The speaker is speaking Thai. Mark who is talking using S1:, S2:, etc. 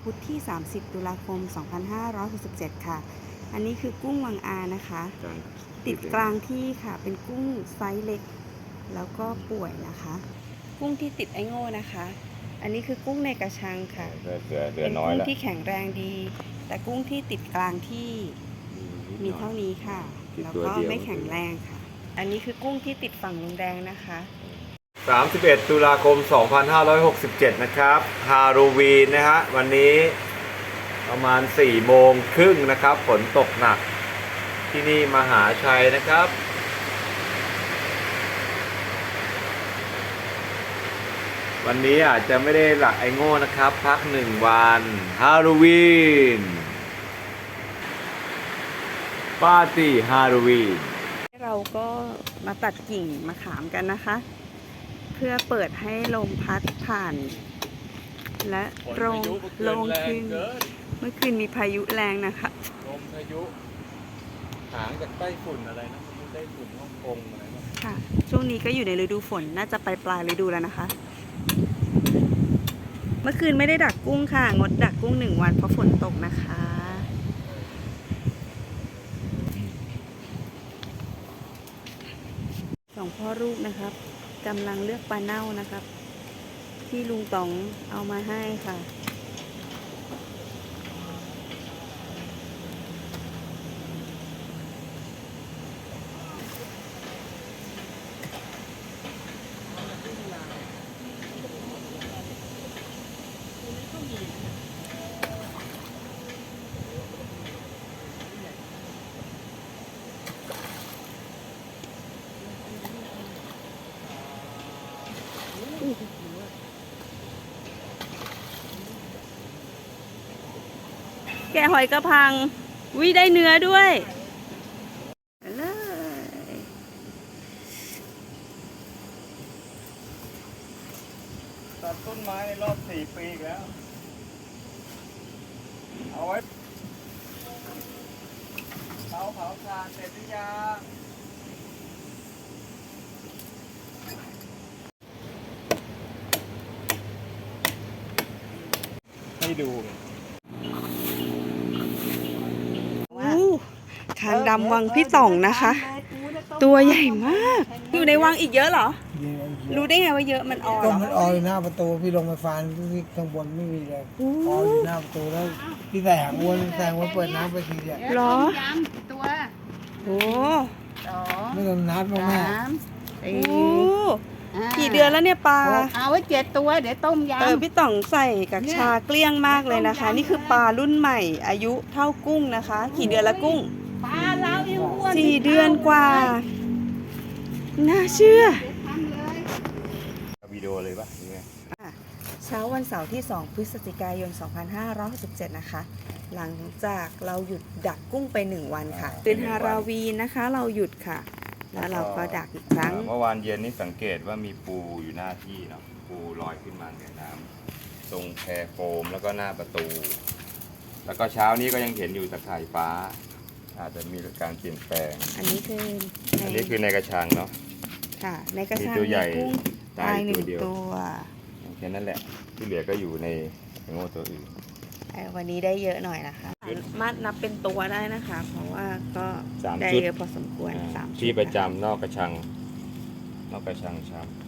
S1: พุธที่ 30 ตุลาคม 2567 ค่ะ อันนี้คือกุ้งวังอานะคะ ติดกลางที่ค่ะ เป็นกุ้งไซส์เล็ก แล้วก็ป่วยนะคะ กุ้งที่ติดไอโง่นะคะ อันนี้คือกุ้งในกระชังค่ะ เป็นกุ้งที่แข็งแรงดี แต่กุ้งที่ติดกลางที่มีเท่านี้ค่ะ แล้วก็ไม่แข็งแรงค่ะ อันนี้คือกุ้งที่ติดฝั่งลุงแดงนะคะ
S2: 31 ตุลาคม 2567 นะครับฮาโลวีนนะฮะวันนี้ประมาณ 4 โมงครึ่งนะครับ ฝนตกหนักที่นี่มหาชัยนะครับ วันนี้อาจจะไม่ได้หลักไอโง่นะครับ พัก1 วันฮาโลวีนปาร์ตี้ฮาโลวีน
S1: เราก็มาตัดกิ่งมะขามกันนะคะ เพื่อเปิดให้ลมพัดผ่าน และโล่งขึ้นเมื่อคืนมีพายุแรงนะคะ
S2: ลมพายุหางจากใต้ฝุ่นอะไรนะไต้ฝุ่นฮ่องกงอะไรนะ
S1: ค่ะช่วงนี้ก็อยู่ในฤดูฝนน่าจะปลายฤดูแล้วนะคะ เมื่อคืนไม่ได้ดักกุ้งค่ะงดดักกุ้ง1 วันเพราะฝนตกนะคะสองพ่อลูกนะครับกำลังเลือกปลาเน่านะครับที่ลุงต๋องเอามาให้ค่ะแกะหอยกระพังวิได้เนื้อด้วยเลย
S2: ตัดต้นไม้ในรอบ4 ปีแล้วเอาไว้เผาถ่านเสร็จหรือยังให้ดู
S1: คางดำวังพี่ต่องนะคะ ตัวใหญ่มาก อยู่ในวังอีกเยอะเหรอ รู้ได้ไงว่าเยอะมันออ
S3: ก็
S1: เหรอ
S3: มันออยหน้าประตูพี่ลงไปฟานที่ข้างบนไม่มีเลยออยอยู่หน้าประตูแล้วพี่ใส่หางวนแซงว่าเปิดน้ำไปทีเดียว
S1: เหรอ
S4: ตัว
S1: โอ้
S4: สอง
S3: ไม่ต้องนัดมาแม่
S4: สาม
S1: โอ้
S4: สี่
S1: กี่เดือนแล้วเนี่ยปลา
S4: เอาไว้7 ตัวเดี๋ยวต้มยำ
S1: พี่ต่องใส่กับชาเกลี้ยงมากเลยนะคะ นี่คือปลารุ่นใหม่ อายุเท่ากุ้งนะคะ กี่เดือนละกุ้ง
S4: ปลาเราเองอ้วน
S1: 4 เดือนกว่า น่าเชื่อ
S4: ทำเลย
S2: วิดีโอเลยปะยังไง
S1: เช้าวันเสาร์ที่ 2 พฤศจิกายน 2567 นะคะ หลังจากเราหยุดดักกุ้งไป 1 วันค่ะเป็นฮาราวีนนะคะ เราหยุดค่ะ แล้วเราก็ดักอีกครั้ง
S2: เมื่อวานเย็นนี่สังเกตว่ามีปูอยู่หน้าที่เนาะปูลอยขึ้นมาเหนือน้ำตรงแพโฟมแล้วก็หน้าประตู แล้วก็เช้านี้ก็ยังเห็นอยู่ตะข่ายฟ้า อาจจะมีการเปลี่ยนแปลง
S1: อันนี้คือ
S2: อันนี้คือในกระชังเนาะ
S1: ค่ะ ในกระชัง
S2: มีตัวใหญ่
S1: มีกุ้งตาย
S2: ตัวเดียว
S1: 1 ตัว
S2: แค่นั้นแหละที่เหลือก็อยู่ในโง่ตัวอื่น
S1: วันนี้ได้เยอะหน่อยนะคะสามารถนับเป็นตัวได้นะคะ เพราะว่าก็
S2: 3
S1: ได้
S2: ชุด
S1: เยอะพอสมควร3 ชุด
S2: ที่ประจำนอกกระชังช้ำ